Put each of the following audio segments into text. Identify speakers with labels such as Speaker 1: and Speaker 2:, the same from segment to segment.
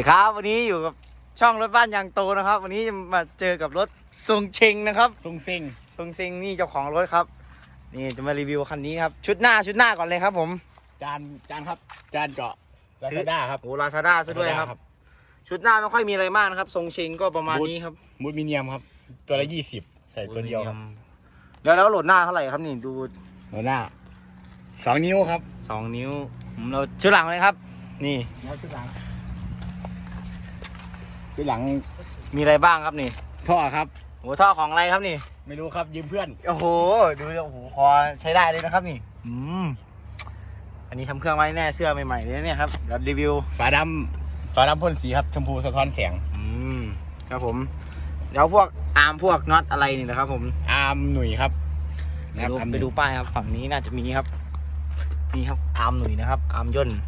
Speaker 1: ครับวันนี้อยู่กับช่องรถบ้านยางโตนะครับวันนี้จะมาเจอกับรถทรงเชงนะครับ
Speaker 2: ทรงเซ็ง
Speaker 1: นี่เจ้าของรถครับนี่จะมารีวิวคันนี้ครับชุดหน้าก่อนเลยครับผม
Speaker 2: จานครับจานเจาะลาซาด้าครับ
Speaker 1: โอ้ลาซาด้าซะด้วยครับชุดหน้าไม่ค่อยมีอะไรมากนะครับทรงเชงก็ประมาณนี้ครับ
Speaker 2: มูดมิเนียมครับตัวละ20ใส่ตัวเดียวครับ
Speaker 1: แล้วโหลดหน้าเท่าไหร่ครับนี่ดู
Speaker 2: โหลดหน้า2 นิ้วครับ
Speaker 1: 2 นิ้วเราชุดหลังเลยครับนี่
Speaker 2: ชุดหลัง
Speaker 1: มีอะไรบ้างครับนี่
Speaker 2: ท่อครับ
Speaker 1: โอ้ท่อของอะไรครับนี่
Speaker 2: ไม่รู้ครับยืมเพื่อน
Speaker 1: โอ้โหดูโอ้โหพอใช้ได้เลยนะครับนี่อันนี้ทำเครื่องไว้แน่เสื้อใหม่ๆเลยเนี่ยครับเดี๋ยวรีวิว
Speaker 2: ฝาดำพ่นสีครับชมพูสะท้อนแสง
Speaker 1: ครับผมเดี๋ยวพวกอาร์มพวกน็อตอะไรนี่นะครับผม
Speaker 2: อาร์มหนุ่ยครับ
Speaker 1: ไปดูป้ายครับฝั่งนี้น่าจะมีครับนี่ครับอาร์มหนุ่ยนะครับอาร์มย่น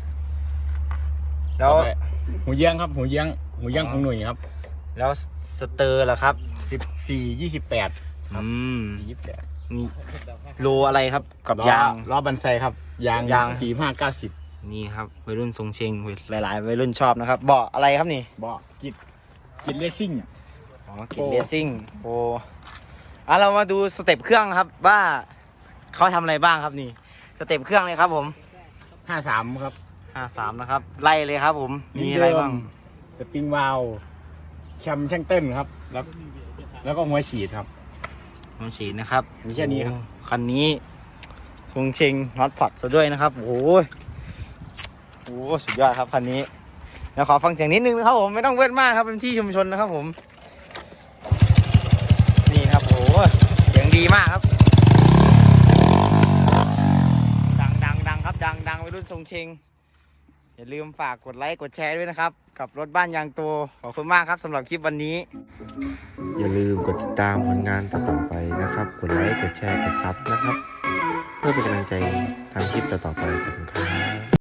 Speaker 1: แล้ว
Speaker 2: หูเยี่ยงครับหูเยี่ยงของหนุ่ยครับ
Speaker 1: แล้วสเตอร์ล่ะครับ
Speaker 2: 14-28
Speaker 1: นี่โลอะไรครับกับยาง
Speaker 2: ล้อบันไซครับยาง45-90
Speaker 1: นี่ครับวัยรุ่นทรงเชงหลายๆวัยรุ่นชอบนะครับเบาะอะไรครับนี่
Speaker 2: เบาะกิจเลสซิ่ง
Speaker 1: กิจเลสซิ่งโอ้เรามาดูสเต็ปเครื่องครับว่าเขาทำอะไรบ้างครับนี่สเต็ปเครื่องเลยครับผม
Speaker 2: 53ครับ
Speaker 1: 53นะครับไล่เลยครับผมมีอะไรบ้าง
Speaker 2: สปริงวาลวแคมช่างเต้นครับแล้วก็หัวฉีดครับ
Speaker 1: หัวฉีดนะครับ
Speaker 2: มีแค่นี้ครับ
Speaker 1: คันนี้ทรงเชงน็อตพอตซะด้วยนะครับโอ้โหสุดยอดครับคันนี้เดี๋ยวขอฟังเสียงนิดนึงนะครับผมไม่ต้องเวิร์ดมากครับเป็นที่ชุมชนนะครับผมนี่ครับโอ้เสียงดีมากครับดังครับดังวัยรุ่นทรงเชงอย่าลืมฝากกดไลค์กดแชร์ด้วยนะครับกับรถบ้านยางโตขอบคุณมากครับสำหรับคลิปวันนี้
Speaker 3: อย่าลืมกดติดตามผลงานต่อๆไปนะครับกดไลค์กดแชร์กดซับนะครับเพื่อเป็นกำลังใจทำคลิปต่อๆไปขอบคุณครับ